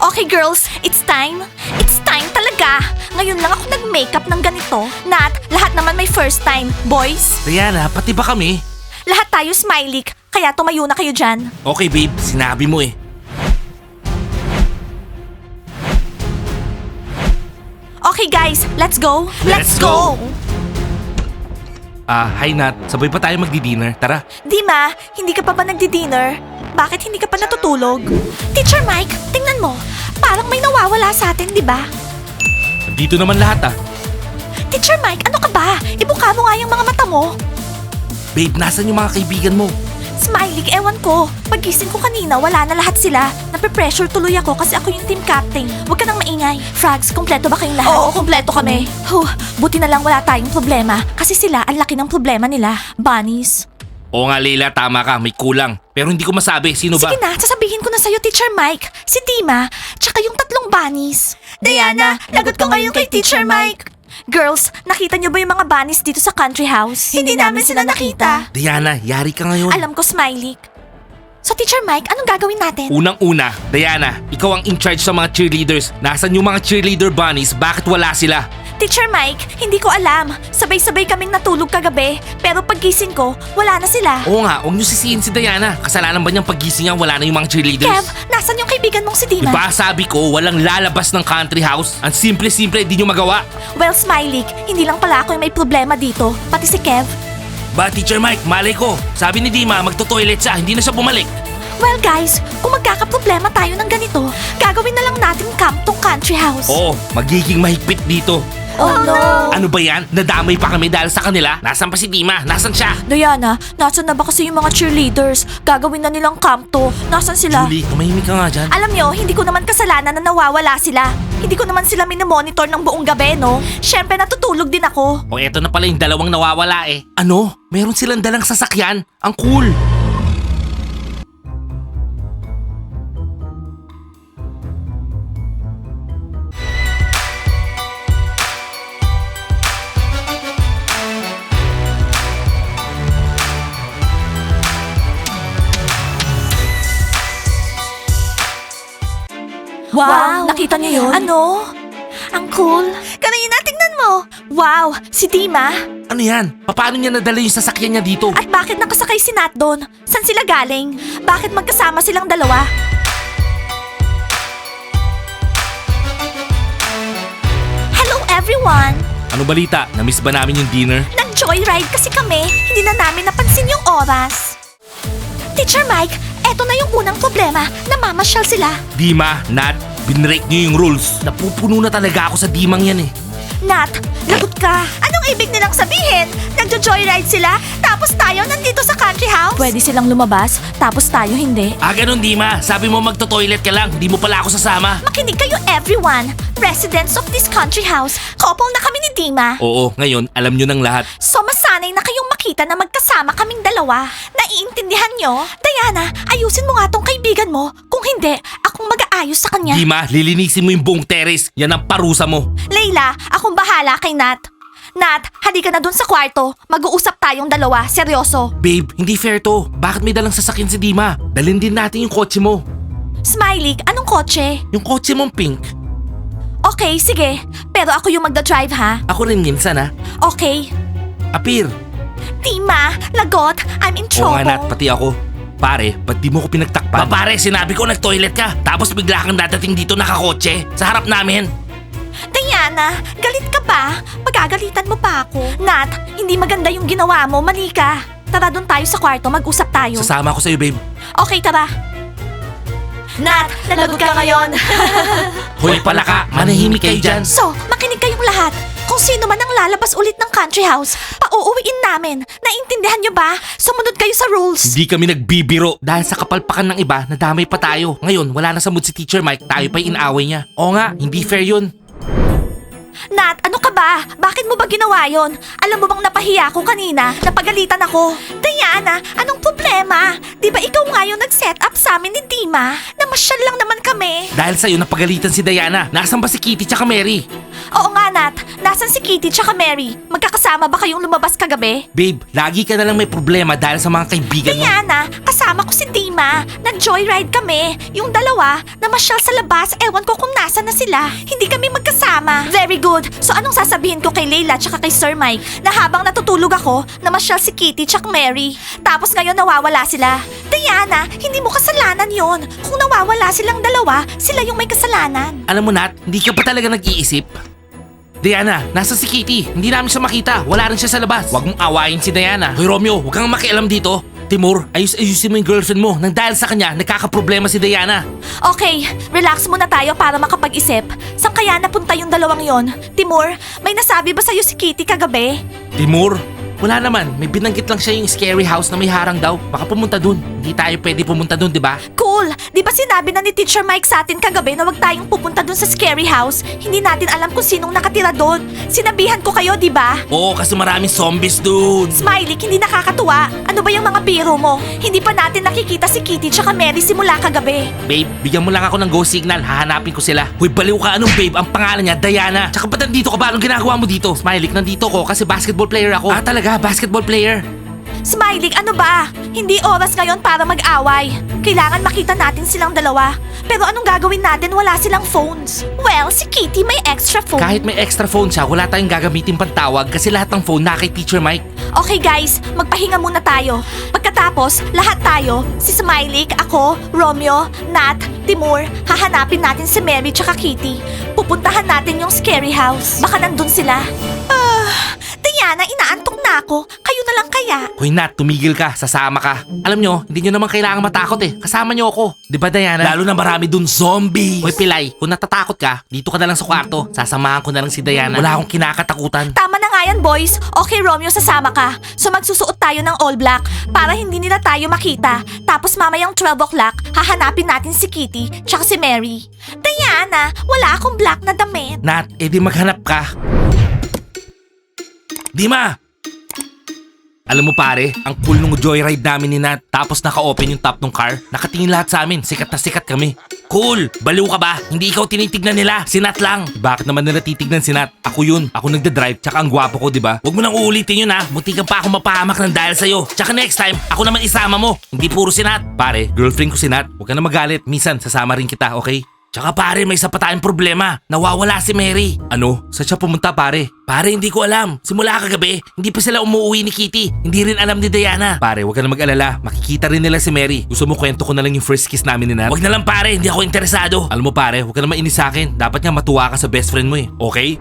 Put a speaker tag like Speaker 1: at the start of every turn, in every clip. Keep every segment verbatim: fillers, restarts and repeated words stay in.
Speaker 1: Okay girls, it's time. It's time talaga. Ngayon lang ako nag-makeup ng ganito. Nat, lahat naman may first time. Boys,
Speaker 2: Diana, pati ba kami?
Speaker 1: lahat tayo smiley. Kaya tumayo na kayo dyan.
Speaker 2: Okay babe, sinabi mo eh.
Speaker 1: Okay guys, let's go.
Speaker 2: Let's go. Ah, hi Nat. Sabay pa tayo magdi-dinner. Tara.
Speaker 1: Dima, hindi ka pa ba nagdi-dinner? Bakit hindi ka pa natutulog? Teacher Mike, tingnan mo. Parang may nawawala sa atin, di ba?
Speaker 2: Dito naman lahat ah.
Speaker 1: Teacher Mike, ano ka ba? Ibuka mo nga yung mga mata mo.
Speaker 2: Babe, nasan yung mga kaibigan mo?
Speaker 1: Smiley, ewan ko. Pagising ko kanina, wala na lahat sila. Nape-pressure tuloy ako kasi ako yung team captain. Huwag ka nang maingay. Frogs, kompleto ba kayong lahat? Oo, kompleto kami. Huh, buti na lang wala tayong problema. Kasi sila, ang laki ng problema nila. Bunnies.
Speaker 2: Oo nga Leila, tama ka. May kulang. Pero hindi ko masabi. Sino ba?
Speaker 1: Sige na, sasabihin ko na sa'yo, Teacher Mike. Si Dima, tsaka yung tatlong bunnies. Diana, lagot ko ngayon kay Teacher Mike. Girls, nakita niyo ba yung mga bunnies dito sa country house? Hindi, namin sila nakita.
Speaker 2: Diana, yari ka ngayon.
Speaker 1: Alam ko, Smiley. So, Teacher Mike, anong gagawin natin?
Speaker 2: Unang-una, Diana, ikaw ang in charge sa mga cheerleaders. Nasaan yung mga cheerleader bunnies? Bakit wala sila?
Speaker 1: Teacher Mike, hindi ko alam. Sabay-sabay kaming natulog kagabi. Pero paggising ko, wala na sila.
Speaker 2: Oo nga, huwag niyo sisihin si Diana. Kasalanan ba niyang paggising niya wala na yung mga cheerleaders?
Speaker 1: Kev, nasan yung kaibigan mong si Dima?
Speaker 2: Diba sabi ko, walang lalabas ng country house? Ang simple-simple, di niyo magawa.
Speaker 1: Well, Smiley, hindi lang pala ako yung may problema dito. Pati si Kev.
Speaker 2: Ba, Teacher Mike, malay ko. Sabi ni Dima, magto-toilet siya, hindi na siya bumalik.
Speaker 1: Well guys, kung magkakaproblema tayo ng ganito, gagawin na lang natin camp tong country house.
Speaker 2: Oo, magiging mahigpit dito.
Speaker 1: Oh, no!
Speaker 2: Ano ba yan? Nadamay pa kami dahil sa kanila? Nasaan pa si Dima? Nasaan siya?
Speaker 1: Diana, nasan na ba kasi yung mga cheerleaders? Gagawin na nilang camp to. Nasan sila?
Speaker 2: Julie, tumahimik ka nga dyan.
Speaker 1: Alam nyo, hindi ko naman kasalanan na nawawala sila. Hindi ko naman sila minomonitor ng buong gabi, no? Siyempre, natutulog din ako.
Speaker 2: O eto na pala yung dalawang nawawala eh. Ano? Meron silang dalang sasakyan? Ang cool!
Speaker 1: Wow! Nakita niyo yun? Ano? Ang cool. Kanina, tingnan mo. Wow! Si Dima.
Speaker 2: Ano yan? Paano niya nadala yung sasakyan niya dito?
Speaker 1: At bakit nakasakay si Nat doon? San sila galing? Bakit magkasama silang dalawa? Hello everyone!
Speaker 2: Ano balita? Namiss ba namin yung dinner?
Speaker 1: Nag-joyride kasi kami. Hindi na namin napansin yung oras. Teacher Mike, eto na yung unang problema. Namamasyal sila.
Speaker 2: Dima, Nat, binrake niyo yung rules. Napupuno na talaga ako sa Dimang yan eh.
Speaker 1: Nat, lagot ka. Anong ibig nilang sabihin? Nagjo-joyride sila, tapos tayo nandito sa country house? Pwede silang lumabas, tapos tayo hindi.
Speaker 2: Ah, ganun Dima. Sabi mo magto-toilet ka lang. Hindi mo pala ako sasama.
Speaker 1: Makinig kayo everyone. Residents of this country house, couple na kami ni Dima.
Speaker 2: Oo, ngayon alam niyo ng lahat.
Speaker 1: So masanay na kayong makita na magkasama kaming dalawa. Naiintindihan nyo? Diana, ayusin mo nga tong kaibigan mo. Kung hindi, akong mag-aayos sa kanya.
Speaker 2: Dima, lilinisin mo yung buong terrace. Yan ang parusa mo.
Speaker 1: Layla, akong bahala kay Nat. Nat, halika na dun sa kwarto. Mag-uusap tayong dalawa, seryoso.
Speaker 2: Babe, hindi fair to. Bakit may dalang sasakyan si Dima? Dalhin din natin yung kotse mo.
Speaker 1: Smiley, anong kotse?
Speaker 2: Yung kotse mong pink.
Speaker 1: Okay, sige. Pero ako yung magda-drive ha?
Speaker 2: Ako rin minsan ha.
Speaker 1: Okay.
Speaker 2: Apir.
Speaker 1: Tima, lagot, I'm in
Speaker 2: Oo
Speaker 1: trouble.
Speaker 2: nga Nat, pati ako. Pare, ba't di mo ko pinagtakpan? Ba pare, sinabi ko nag-toilet ka. Tapos bigla kang dadating dito nakakotse. Sa harap namin.
Speaker 1: Diana, galit ka ba? Pagagalitan mo pa ako. Nat, hindi maganda yung ginawa mo, mali ka. Tara doon tayo sa kwarto, mag-usap tayo.
Speaker 2: Sasama ko sa'yo, babe.
Speaker 1: Okay, tara. Nat, nalagot ka ngayon.
Speaker 2: Hoy pala ka, manahimik kayo dyan.
Speaker 1: So, makinig kayong lahat. Kung sino man ang lalabas ulit ng country house, pauuwiin namin. Naintindihan nyo ba? Sumunod kayo sa rules.
Speaker 2: Hindi kami nagbibiro. Dahil sa kapalpakan ng iba, nadamay pa tayo. Ngayon, wala na sa mood si Teacher Mike, tayo pa inaway niya. Oo nga, hindi fair yun.
Speaker 1: Nat, ano ka ba? Bakit mo ba ginawa yon? Alam mo bang napahiya ako kanina? Napagalitan ako. Diana, anong problema? Di ba ikaw nga yung nag-set up sa amin ni Dima? Namasyal lang naman kami.
Speaker 2: Dahil sa'yo napagalitan si Diana. Nasaan ba si Kitty tsaka Mary?
Speaker 1: Oo nga nga, Nat. Nasaan si Kitty tsaka Mary? Magkakasama ba kayong lumabas kagabi?
Speaker 2: Babe, lagi ka na lang may problema dahil sa mga kaibigan mo.
Speaker 1: Diana, kasama ko si Dima. Nag-joyride kami. Yung dalawa, namasyal sa labas, ewan ko kung nasa na sila. Hindi kami magkasama. Very good. So anong sasabihin ko kay Leila tsaka kay Sir Mike? Na habang natutulog ako, namasyal si Kitty tsaka Mary. Tapos ngayon nawawala sila. Diana, hindi mo kasalanan yon. Kung nawawala silang dalawa, sila yung may kasalanan.
Speaker 2: Alam mo, Nat, hindi ka pa talaga nag-iisip. Diana, nasa si Kitty. Hindi namin siya makita. Wala rin siya sa labas. Huwag mong awayin si Diana. Hoy Romeo, huwag kang makialam dito. Timur, ayus-ayusin mo yung girlfriend mo. Nang dahil sa kanya, nagkakaproblema si Diana.
Speaker 1: Okay, relax muna tayo para makapag-isip. Saan kaya napunta yung dalawang yon? Timur, may nasabi ba sa'yo si Kitty kagabi?
Speaker 2: Timur? Wala naman. May binanggit lang siya yung scary house na may harang daw. Baka pumunta dun. Hindi tayo pwede pumunta dun, di ba?
Speaker 1: Cool! Di ba sinabi na ni Teacher Mike sa atin kagabi na wag tayong pupunta dun sa scary house? Hindi natin alam kung sinong nakatira dun. Sinabihan ko kayo, di ba?
Speaker 2: Oo, kasi maraming zombies dun.
Speaker 1: Smiley, hindi nakakatuwa. Ano ba yung mga biro mo? Hindi pa natin nakikita si Kitty tsaka Mary simula kagabi.
Speaker 2: Babe, bigyan mo lang ako ng go signal. Hahanapin ko sila. Hoy, baliw ka. Anong babe? Ang pangalan niya, Diana. Tsaka ba't nandito ka ba? Anong ginagawa mo dito? Smiley, nandito ko kasi basketball player ako. Ah, talaga? Basketball player?
Speaker 1: Smiley, ano ba? Hindi oras ngayon para mag-away. Kailangan makita natin silang dalawa. Pero anong gagawin natin? Wala silang phones. Well, si Kitty may extra phone.
Speaker 2: Kahit may extra phone siya, wala tayong gagamitin pantawag kasi lahat ng phone na kay Teacher Mike.
Speaker 1: Okay guys, magpahinga muna tayo. Pagkatapos, lahat tayo, si Smiley, ako, Romeo, Nat, Timur, hahanapin natin si Mary tsaka Kitty. Pupuntahan natin yung scary house. Baka nandun sila. Ah, Diana, inaantok na ako. Kayo na lang kaya.
Speaker 2: Hoy Nat, tumigil ka, sasama ka. Alam nyo, hindi nyo naman kailangan matakot eh. Kasama nyo ako. Di ba Diana? Lalo na marami dun zombies. Hoy Pilay, kung natatakot ka, dito ka na lang sa kwarto. Sasamahan ko na lang si Diana. Wala akong kinakatakutan.
Speaker 1: Tama na nga yan, boys. Okay, Romeo, sasama ka. So magsusuot tayo ng all black para hindi nila tayo makita. Tapos mamayang twelve o'clock, hahanapin natin si Kitty tsaka si Mary. Diana, wala akong black na damit.
Speaker 2: Nat, edi maghanap ka. Dima! Alam mo pare, ang cool nung joyride namin ni Nat. Tapos naka-open yung top ng car. Nakatingin lahat sa amin. Sikat na sikat kami. Cool! Baliw ka ba? Hindi ikaw tinitignan nila. Si Nat lang. Bakit naman nila titignan si Nat? Ako yun. Ako nagda-drive. Tsaka ang gwapo ko, di ba? Huwag mo nang uulitin yun ha. Munti ka pa ako mapahamak ng dahil sa'yo. Tsaka next time, ako naman isama mo. Hindi puro si Nat. Pare, girlfriend ko si Nat. Huwag ka na magalit. Minsan, sasama rin kita, okay? Tsaka pare, may isa pa tayong problema. Nawawala si Mary. Ano? Saan siya pumunta pare? Pare, hindi ko alam. Simula kagabi, hindi pa sila umuwi ni Kitty. Hindi rin alam ni Diana. Pare, huwag ka na mag-alala. Makikita rin nila si Mary. Gusto mo kwento ko na lang yung first kiss namin ni Nat? Huwag na lang pare, hindi ako interesado. Alam mo pare, huwag ka na mainis sa akin. Dapat nga matuwa ka sa best friend mo eh. Okay?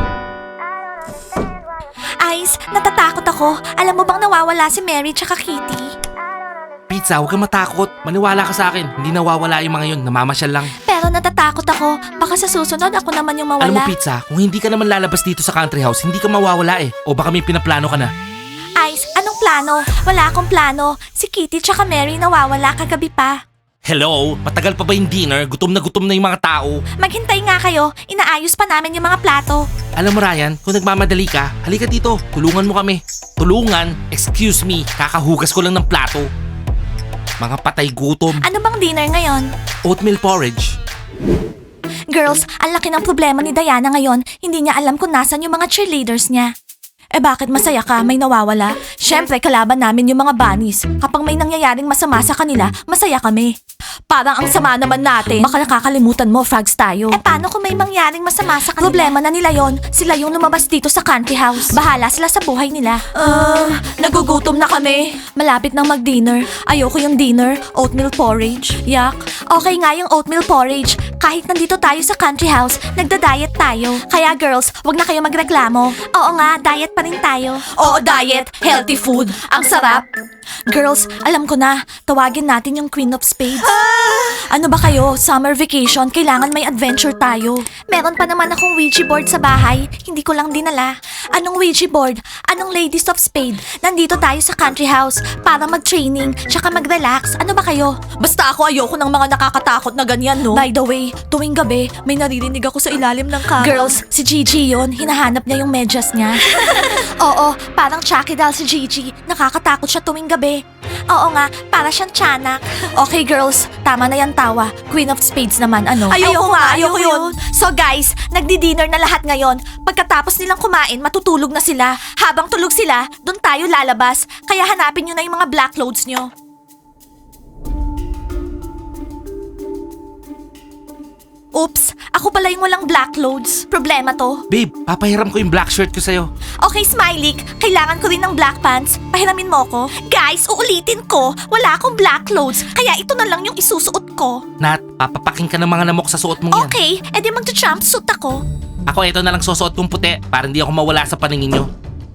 Speaker 1: Ice, natatakot ako. Alam mo bang nawawala si Mary tsaka Kitty?
Speaker 2: Pizza, huwag kang matakot. Maniwala ka sa akin. Hindi nawawala yung mga yun. Namamasyal lang.
Speaker 1: Pero natatakot ako. Baka sa susunod ako naman yung mawala.
Speaker 2: Alam mo Pizza, kung hindi ka naman lalabas dito sa country house, hindi ka mawawala eh. O baka may pinaplano ka na.
Speaker 1: Ice, anong plano? Wala akong plano. Si Kitty tsaka Mary nawawala kagabi pa.
Speaker 2: Hello? Matagal pa ba yung dinner? Gutom na gutom na yung mga tao.
Speaker 1: Maghintay nga kayo. Inaayos pa namin yung mga plato.
Speaker 2: Alam mo Ryan, kung nagmamadali ka, halika dito. Tulungan mo kami. Tulungan? Excuse me, kakahugas ko lang ng plato. Mga patay gutom.
Speaker 1: Ano bang dinner ngayon?
Speaker 2: Oatmeal porridge.
Speaker 1: Girls, ang laki ng problema ni Diana ngayon. Hindi niya alam kung nasan yung mga cheerleaders niya. Eh bakit masaya ka? May nawawala? Siyempre, kalaban namin yung mga bunnies. Kapag may nangyayaring masama sa kanila, masaya kami. Parang ang sama naman natin. Baka nakakalimutan mo, frogs tayo. Eh paano kung may mangyaring masama sa kanila? Problema na nila yon. Sila yung lumabas dito sa country house. Bahala sila sa buhay nila. Ah, nagugutom na kami. Malapit nang mag-dinner. Ayoko yung dinner. Oatmeal porridge. Yak. Okay nga yung oatmeal porridge. Kahit nandito tayo sa country house, nagda-diet tayo. Kaya girls, wag na kayo magreklamo. Oo nga, diet pa rin tayo. Oo, diet. Healthy food. Ang sarap. Girls, alam ko na. Tawagin natin yung Queen of Spades. Ano ba kayo? Summer vacation, kailangan may adventure tayo. Meron pa naman akong Ouija board sa bahay. Hindi ko lang dinala. Anong Ouija board? Anong Ladies of Spade? Nandito tayo sa country house para mag-training tsaka mag-relax. Ano ba kayo? Basta ako ayoko ng mga nakakatakot na ganyan, no? By the way, tuwing gabi, may naririnig ako sa ilalim ng kama. Girls, si Gigi yon. Hinahanap niya yung medyas niya. Oo, parang Chucky doll si Gigi. Nakakatakot siya tuwing gabi. Oo nga, para siyang tiyanak. Okay girls, tama na yan tumatawa. Queen of Spades naman, ano? Ayoko, nga, ayoko yun. So guys, nagdi-dinner na lahat ngayon. Pagkatapos nilang kumain, matutulog na sila. Habang tulog sila, doon tayo lalabas. Kaya hanapin nyo na yung mga black clothes nyo. Oops, ako pala yung walang black clothes. Problema to.
Speaker 2: Babe, papahiram ko yung black shirt ko sa'yo.
Speaker 1: Okay, Smiley, kailangan ko rin ng black pants. Pahiramin mo ko. Guys, uulitin ko. Wala akong black clothes, kaya ito na lang yung isusuot ko.
Speaker 2: Nat, papapaking ka ng mga namok sa suot mong yan.
Speaker 1: Okay, edi magja-jumpsuit ako.
Speaker 2: Ako ito na lang susuot kong puti para hindi ako mawala sa paningin nyo.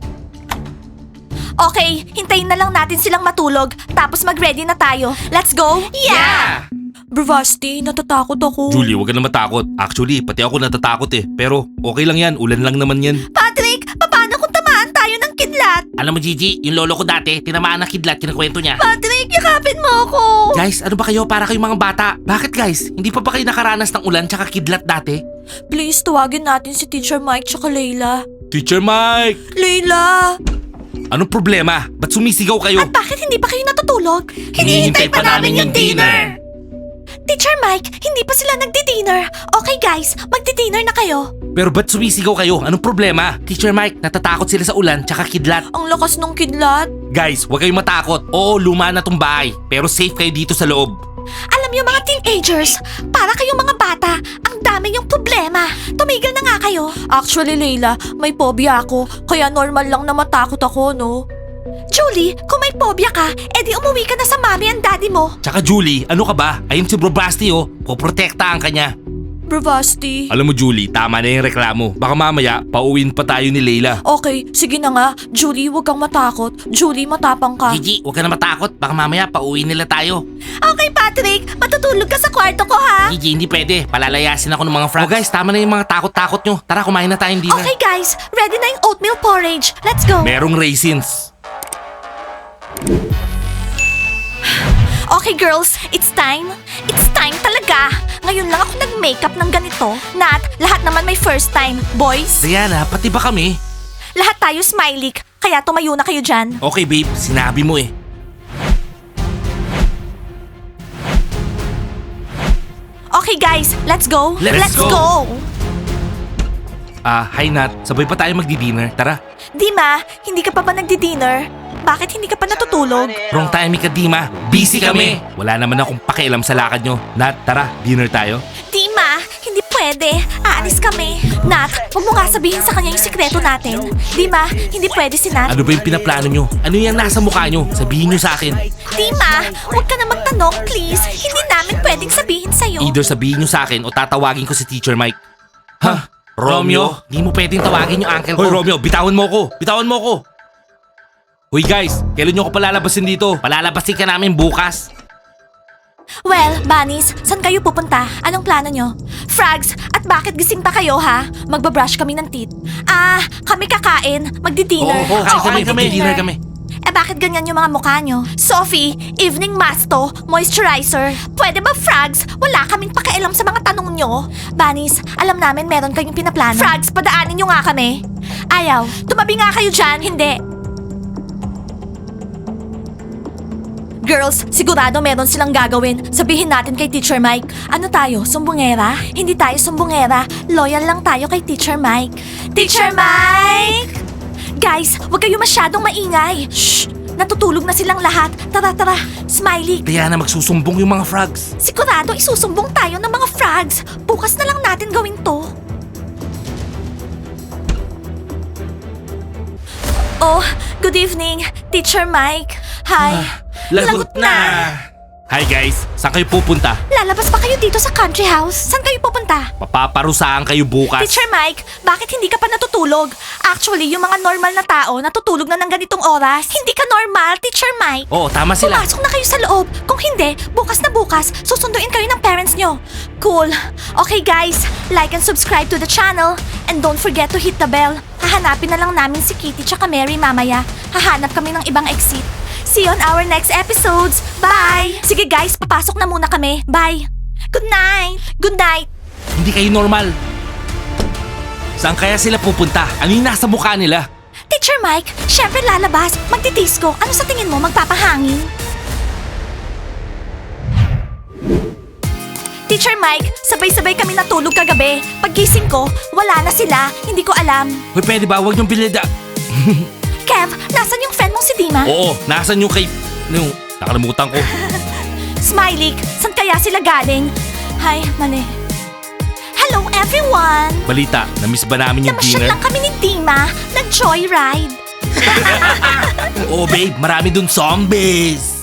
Speaker 1: Okay, hintayin na lang natin silang matulog, tapos mag-ready na tayo. Let's go? Yeah! Bravasti, natatakot ako.
Speaker 2: Julie, huwag ka na matakot. Actually, pati ako natatakot eh. Pero okay lang yan, ulan lang naman yan.
Speaker 1: Patrick, paano kung tamaan tayo ng kidlat?
Speaker 2: Alam mo Gigi, yung lolo ko dati, tinamaan ng kidlat, kinakwento niya.
Speaker 1: Patrick, yakapin mo ako.
Speaker 2: Guys, ano ba kayo para kayong mga bata? Bakit guys? Hindi pa ba kayo nakaranas ng ulan tsaka kidlat dati?
Speaker 1: Please, tawagin natin si Teacher Mike tsaka Layla.
Speaker 2: Teacher Mike!
Speaker 1: Layla!
Speaker 2: Anong problema? Ba't sumisigaw kayo?
Speaker 1: At bakit hindi pa kayo natutulog?
Speaker 2: Hinihintay pa namin yung dinner.
Speaker 1: Teacher Mike, hindi pa sila nagdi-dinner. Okay guys, magdi-dinner na kayo.
Speaker 2: Pero ba't sumisigaw kayo? Anong problema? Teacher Mike, natatakot sila sa ulan tsaka kidlat.
Speaker 1: Ang lakas nung kidlat.
Speaker 2: Guys, huwag kayong matakot. Oo, luma na tong bahay. Pero safe kayo dito sa loob.
Speaker 1: Alam niyo mga teenagers, para kayong mga bata, ang dami yung problema. Tumigil na nga kayo. Actually, Layla, may phobia ako. Kaya normal lang na matakot ako, no? Julie, kung may phobia ka, edi umuwi ka na sa mommy and daddy mo.
Speaker 2: Tsaka Julie, ano ka ba? Ayun si Bro Basti oh. Poprotektahan ka niya.
Speaker 1: Bravasti.
Speaker 2: Alam mo Julie, tama na yung reklamo. Baka mamaya, pauwiin pa tayo ni Layla.
Speaker 1: Okay, sige na nga. Julie, huwag kang matakot. Julie, matapang ka.
Speaker 2: Gigi, huwag ka na matakot. Baka mamaya, pauwiin nila tayo.
Speaker 1: Okay, Patrick. Matutulog ka sa kwarto ko, ha?
Speaker 2: Gigi, hindi pwede. Palalayasin ako ng mga frogs. Oh guys, tama na yung mga takot-takot nyo. Tara, kumain na tayong dinner.
Speaker 1: Okay, guys. Ready na yung oatmeal porridge. Let's go.
Speaker 2: Merong raisins.
Speaker 1: Okay, girls. It's time. It's time talaga. Ngayon lang ako nag-makeup ng ganito. Nat, lahat naman may first time. Boys,
Speaker 2: Diana, pati ba kami?
Speaker 1: lahat tayo smiley. Kaya tumayo na kayo dyan.
Speaker 2: Okay babe, sinabi mo eh.
Speaker 1: Okay, guys. Let's go.
Speaker 2: Let's go.
Speaker 1: go.
Speaker 2: Ah, hi Nat. Sabay pa tayo magdi-dinner. Tara.
Speaker 1: Dima, hindi ka pa ba nagdi-dinner? Bakit hindi ka pa natutulog?
Speaker 2: Wrong timing ka, Dima. Busy kami. Wala naman akong pakialam sa lakad nyo. Nat, tara, dinner tayo.
Speaker 1: Dima, hindi pwede. Aalis kami. Nat, huwag mo nga sabihin sa kanya yung sikreto natin. Dima, hindi pwede si Nat.
Speaker 2: Ano ba yung pinaplano nyo? Ano yung nasa mukha nyo? Sabihin nyo sa akin.
Speaker 1: Dima, huwag ka na magtanong, please. Hindi namin pwedeng sabihin sa'yo.
Speaker 2: Either sabihin nyo sa akin o tatawagin ko si Teacher Mike. Ha? Romeo? Di mo pwedeng tawagin yung uncle ko. Hoy Romeo, bitawan mo ko. Bitawan mo ko. Hoy guys, kailan nyo ko palalabasin dito? Palalabasin ka namin bukas.
Speaker 1: Well, Bunnies, saan kayo pupunta? Anong plano nyo? Frogs, at bakit gising pa kayo, ha? Magbabrush kami ng teeth. Ah, kami kakain. Magdi-dinner.
Speaker 2: Oo, oo, kain
Speaker 1: Oo,
Speaker 2: kami,
Speaker 1: magdi-dinner.
Speaker 2: magdi-dinner kami.
Speaker 1: Eh bakit ganyan yung mga mukha nyo? Sophie, evening mask to, moisturizer. Pwede ba, Frogs? Wala kaming pakialam sa mga tanong nyo. Bunnies, alam namin meron kayong pinaplano. Frogs, padaanin nyo nga kami. Ayaw, tumabi nga kayo dyan. Hindi. Girls, sigurado meron silang gagawin. Sabihin natin kay Teacher Mike. Ano tayo, sumbongera? Hindi tayo sumbongera. Loyal lang tayo kay Teacher Mike. Teacher Mike! Guys, huwag kayo masyadong maingay. Shh! Natutulog na silang lahat. Tara, tara. Smiley,
Speaker 2: Diana, magsusumbong yung mga frogs.
Speaker 1: sigurado isusumbong tayo ng mga frogs. Bukas na lang natin gawin to. Oh, good evening, Teacher Mike. Hi.
Speaker 2: Lagot na! Hi guys, saan kayo pupunta?
Speaker 1: Lalabas ba kayo dito sa country house? Saan kayo pupunta?
Speaker 2: Papaparusahan kayo bukas.
Speaker 1: Teacher Mike, bakit hindi ka pa natutulog? Actually, yung mga normal na tao natutulog na ng ganitong oras. Hindi ka normal, Teacher Mike.
Speaker 2: Oo, tama sila.
Speaker 1: Pumasok na kayo sa loob. Kung hindi, bukas na bukas, susunduin kayo ng parents nyo. Cool. Okay guys, like and subscribe to the channel. And don't forget to hit the bell. Hahanapin na lang namin si Kitty tsaka Mary mamaya. Hahanap kami ng ibang exit. See you on our next episodes. Bye! Sige guys, papasok na muna kami. Bye! Good night! Good night!
Speaker 2: Hindi kayo normal. Saan kaya sila pupunta? Ano yung nasa mukha nila?
Speaker 1: Teacher Mike, syempre lalabas. Magdidisco. Ano sa tingin mo? Magpapahangin? Teacher Mike, sabay-sabay kami natulog kagabi. Paggising ko, wala na sila. Hindi ko alam.
Speaker 2: Hoy, pwede ba? Huwag niyong bilida.
Speaker 1: Kev, nasan yung friend mong si Dima?
Speaker 2: Oo, nasan yung kay... Yung... Nakalimutan ko.
Speaker 1: Smiley, saan kaya sila galing? Hay, mali. Hello everyone!
Speaker 2: Balita, na-miss ba namin yung
Speaker 1: Namasyal
Speaker 2: dinner?
Speaker 1: lang kami ni Dima. Nag-joyride.
Speaker 2: Oo, babe. Marami dun zombies.